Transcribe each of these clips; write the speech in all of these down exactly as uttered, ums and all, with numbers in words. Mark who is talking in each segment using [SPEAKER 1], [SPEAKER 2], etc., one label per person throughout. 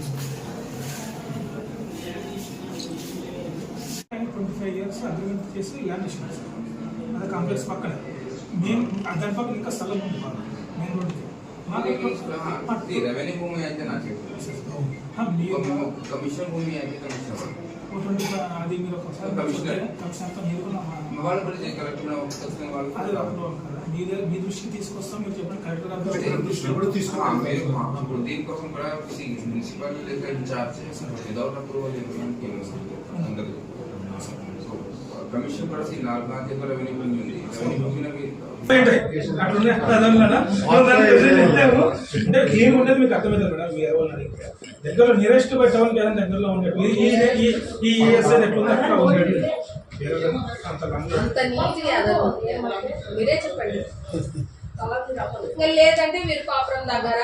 [SPEAKER 1] Twenty five years agreement చేసి land ఇచ్చినాం sir. అది కాంప్లెక్స్ పక్కనే మేము దాని పక్కన ఇంకా స్థలం ఉంది బాగా మెయిన్ రోడ్కి.
[SPEAKER 2] రెవెన్యూ భూమి అయితే నాకు కమిషన్ భూమి అయితే కమిషన్
[SPEAKER 1] అది మీరు ఒకసారి కమిషన్తో మీరు
[SPEAKER 2] వాళ్ళు కలెక్టర్
[SPEAKER 1] అది మీ మీ దృష్టికి తీసుకొస్తాం. మీరు చెప్పండి కలెక్టర్ దృష్టిలో కూడా తీసుకున్నాం.
[SPEAKER 2] దీనికోసం కూడా municipality in-charge without approval commission కూడా నాలుగు నాలుగు రెవెన్యూ భూమి ఉంది. రెవెన్యూ భూమి ఏముండదు మీకు అర్థమవుతుంది మేడం. మీరు దగ్గరలో నియరెస్ట్ బై టౌన్ కదా దగ్గరలో ఉండేది ఈ ఈఎస్ఐ ఎట్లుంది అట్లా ఉండేది.
[SPEAKER 3] మీరే చెప్పండి. లేదంటే మీరు పాపురం దగ్గర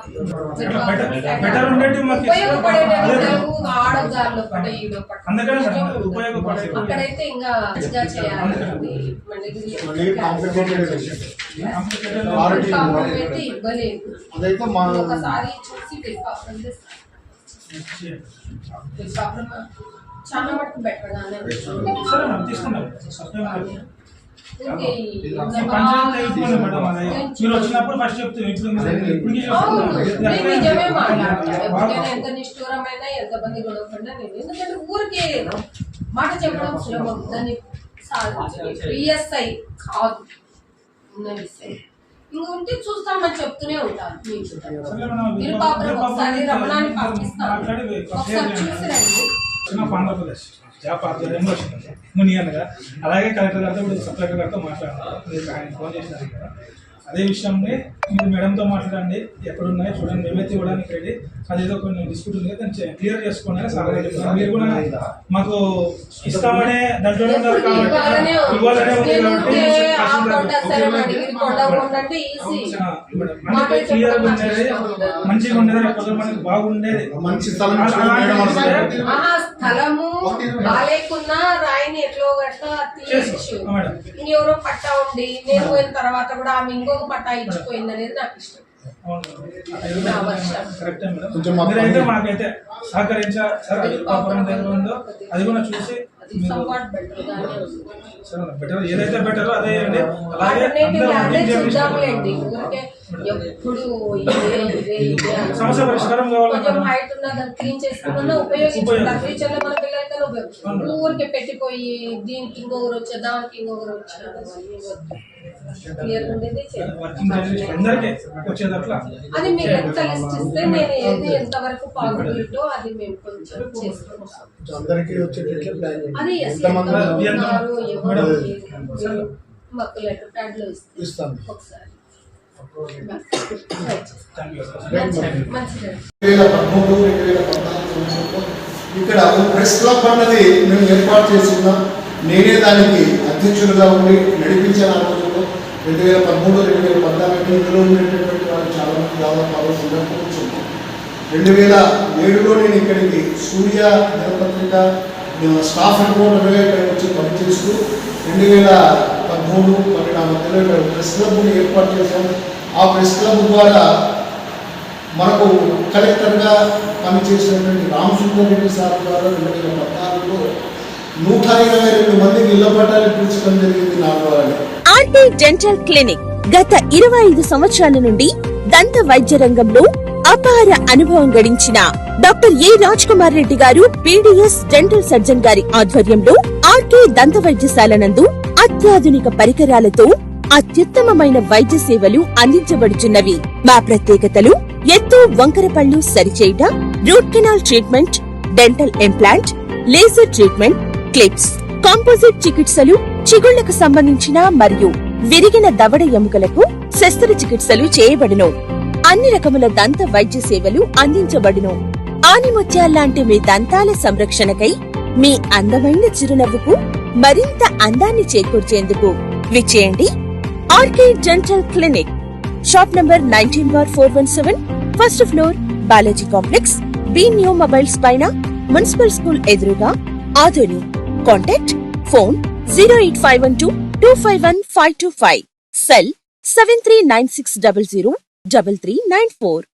[SPEAKER 3] అక్కడైతే ఇంకా చేయాలి ఇవ్వలేదు. ఒకసారి చూసి పాపురం చాలా మటుకు బెటర్ గానే
[SPEAKER 1] వచ్చినప్పుడు ఫస్ట్
[SPEAKER 3] నిజమే మాట్లాడతాను. ఎంత నిష్ఠూరమైనా ఎంత మంది గొడవకుండా నేను ఎందుకంటే ఊరికే మాట చెప్పడం సులభం. దాన్ని పిఎస్ఐ కాదు ఉన్న విషయం ఇంక ఉంటే చూస్తామని చెప్తూనే ఉంటాను. మీరు పాపం ఒకసారి రమణాన్ని పంపిస్తాను, ఒకసారి చూసి రండి.
[SPEAKER 1] ఆంధ్రప్రదేశ్ జాబ్ ఆధ్వర్యంలో వచ్చింది మునియనగా. అలాగే కలెక్టర్ గారితో ఇప్పుడు సబ్ కలెక్టర్ గారితో మాట్లాడారు. మీరు ఆయన ఫోన్ చేసినారు కదా, అదే విషయంని మీరు మేడంతో మాట్లాడండి. ఎక్కడున్నాయో చూడండి, మేమైతే ఇవ్వడానికి రెడీ. అదేదో కొన్ని డిస్ప్యూట్ ఉంది కదా, దాన్ని క్లియర్ చేసుకోండి. సార్ మీరు కూడా మాకు ఇస్తామనే దాంట్లో కాబట్టి ఇవ్వాలనే ఉంది కాబట్టి క్లియర్ ఉండేది, మంచిగా ఉండేది, మనకి బాగుండేది. మంచి
[SPEAKER 3] స్థలము బాగాలేకున్నా రాయిని ఎట్లో గట్లా తీయచ్చు. ఎవరో పట్టా ఉండి నేను పోయిన తర్వాత కూడా ఆమె ఇంకొక పట్టా ఇచ్చిపోయింది అనేది నాకు ఇష్టం.
[SPEAKER 1] మీరైతే మాకైతే సహకరించారు సార్. అది పాపురం దగ్గర ఉందో అది కూడా చూసి బెటర్, ఏదైతే బెటర్ అదే అండి. అలాగే సమస్య పరిష్కారం కావాలి.
[SPEAKER 3] ఊరికే పెట్టిపోయి దీనికి ఇంకొకరు వచ్చా దానికి ఇంకొకరు వచ్చా అది మీరు ఎంత లిస్ట్ ఇస్తే నేను ఏది ఎంత వరకు పాజిబిలిటీ అది మేము కొంచెం చేసుకుంటాం. అది మాకు లెటర్ ప్యాడ్ లో ఇస్తాం ఒకసారి.
[SPEAKER 4] ఇక్కడ ప్రెస్ క్లబ్ అన్నది మేము ఏర్పాటు చేస్తున్నాం. నేనే దానికి అధ్యక్షులుగా ఉండి నడిపించిన ఆ రోజుల్లో రెండు వేల పదమూడు రెండు వేల పద్నాలుగు ఇందులో ఉండేటటువంటి వాళ్ళు చాలా మంది దాదాపు సందర్శించున్నాం. రెండు వేల ఏడులో నేను ఇక్కడికి సూర్య దినపత్రిక స్టాఫ్ రిపోర్టర్గా ఇక్కడికి వచ్చి పనిచేస్తూ రెండు వేల పదమూడు పన్నెండు ఆ మధ్యలో ఇక్కడ ప్రెస్ క్లబ్ని ఏర్పాటు చేశాం. ఆ ప్రెస్ క్లబ్ ద్వారా మనకు కలెక్టర్గా పనిచేసినటువంటి రామసుందర్ రెడ్డి సార్ ద్వారా రెండు వేల పద్నాలుగులో నూట ఇరవై రెండు మందికి ఇళ్ల పట్టాలు ఇప్పించడం జరిగింది నా ద్వారా.
[SPEAKER 5] ఆర్కే డెంటల్ క్లినిక్ గత ఇరవై ఐదు సంవత్సరాల నుండి దంత వైద్య రంగంలో అపార అనుభవం గడించిన doctor A Raj Kumar Reddy garu BDS dental surgeon గారి ఆధ్వర్యంలో ఆర్కే దంత వైద్యశాల నందు అత్యాధునిక పరికరాలతో అత్యుత్తమమైన వైద్య సేవలు అందించబడుచున్నవి. మా ప్రత్యేకతలు ఎత్తు వంకర పళ్లు సరిచేయుట, root canal treatment, dental implant, laser treatment, clips, composite చికిత్సలు, చిగుళ్లకు సంబంధించిన మరియు విరిగిన దవడ ఎముకలకు శస్త్రచికిత్సలు చేయబడును. అన్ని రకముల దంత వైద్య సేవలు అందించబడును. ఆనిముత్యాల్లాంటి మీ దంతాల సంరక్షణకై మీ అందమైన చిరునవ్వుకు మరింత అందాన్ని చేకూర్చేందుకు విచ్చేయండి RK dental clinic. Shop number nineteen bar four one seven, first floor, Balaji complex, B new mobiles పైన, మున్సిపల్ స్కూల్ ఎదురుగా, Adoni. Contact phone zero eight five one two two five one five two five, cell seven three nine six double zero double three nine four.